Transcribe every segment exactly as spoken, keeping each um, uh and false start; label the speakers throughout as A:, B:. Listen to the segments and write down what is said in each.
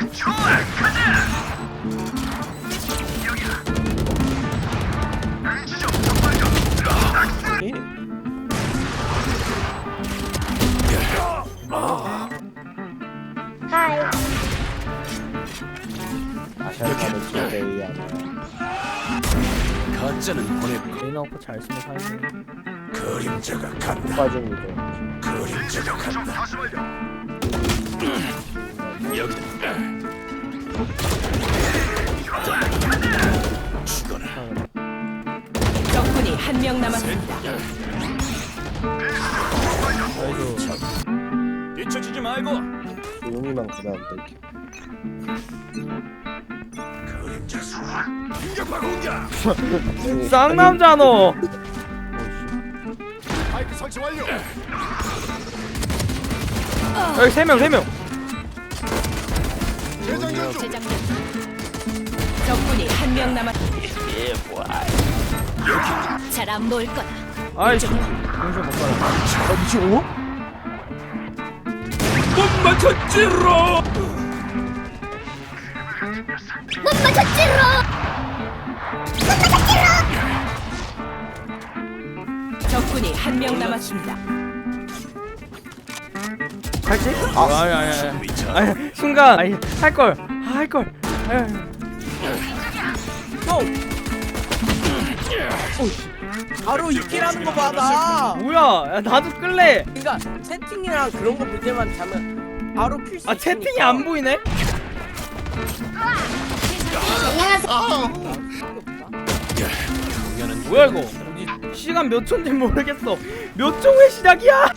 A: 좋아, 가자. 여기야. 지점 적발견.
B: 하이.
C: 아시아카드 제이야.
D: 가짜는 보내고
E: 레이나 오퍼 잘 쓰면 사야지.
D: 그림자가 간다.
C: 빠집니다.
D: 그림자가
A: 좀
D: 간다.
A: 다시 말려.
D: 여기 죽어라.
F: 적군이 한 명 남았습니다.
D: 뒤처지지 말고.
C: 용이만 그다음 뺄게.
D: 그림자 소환. 공격하고 공격.
E: 쌍남자 너.
D: 마이크 설치 완료.
E: 여기 세 명, 세 명.
D: 재장전 중.
F: 재장전. 적군이 한 명 남았습니다. 잘 안 보일 거다.
E: 아이씨. 용서 못 가라.
C: 아 미친 오?
D: 못 맞췄지로.
B: 못 맞췄지로.
F: 적군이 한 명 남았습니다.
E: 갈지? 아, 아니 아니 아니. 아니 순간 아니 할 걸. 아, 할 걸.
G: 바로 이끼라는 거 받아.
E: 뭐야? 야, 나도 끌래.
G: 그러니까 채팅이랑 그런 거 볼 때만 자면 바로 필수.
E: 아 채팅이 안 보이네? 뭐야 이거? 어디 시간 몇 초인지 모르겠어. 몇 초 후에 시작이야?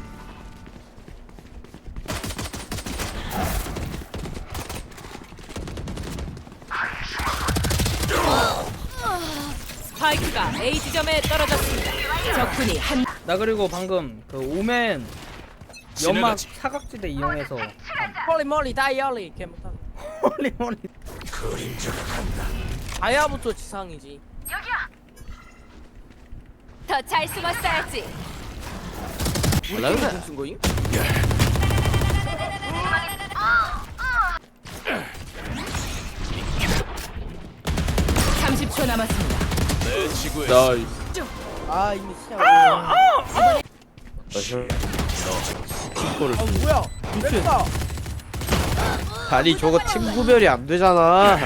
F: 스파이크가 A 지점에 떨어졌습니다. 적군이 한
E: 나 그리고 방금 그 오멘 연막 사각지대 이용해서
G: 멀리 멀리 다이얼리 걔 못하는.
E: 홀리 홀리.
D: 그림자가 간다.
G: 다이아부터 지상이지.
F: 더 잘 숨었어야지.
G: 우리 팀이 쓴 거임?
F: 삼십 초 남았습니다.
D: 내 지구에
G: 아 이미 시작. 아, 아 뭐야? 맵다.
C: 아니 저거 팀 구별이 안 되잖아.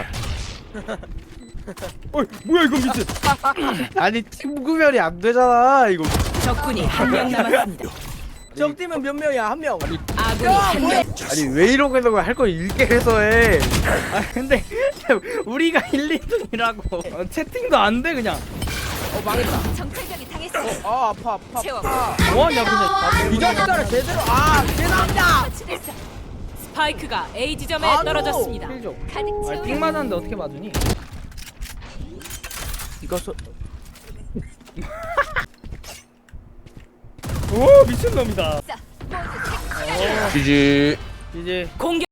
E: 어이 뭐야 이거 미친.
C: 아니 팀 구별이 안 되잖아 이거.
F: 적군이 한 명 남았습니다.
G: 적 팀은 몇 명이야? 한 명.
F: 아군이
G: 야,
F: 한
G: 뭐야?
F: 명.
C: 아니 왜 이러고 있는 거야? 할 거 읽게 해서 해.
E: 아 근데 우리가 일, 이 등이라고 어, 채팅도 안 돼 그냥.
G: 어 망했다.
F: 정찰병이 당했어.
G: 아 아파 아파.
F: 채워.
G: 아파.
E: 뭐하냐 근데.
G: 이 자식들을 제대로 아 죄송합니다.
F: 처치됐어. 스파이크가 A 지점에
G: 아,
F: 떨어졌습니다.
E: 필죠.
F: 가득
E: 아,
F: 채우라.
E: 삥 맞았는데 어떻게 맞으니?
G: 이거 소.
E: 오 미친놈이다.
F: 모두
C: 지지.
E: 이제
F: 공격.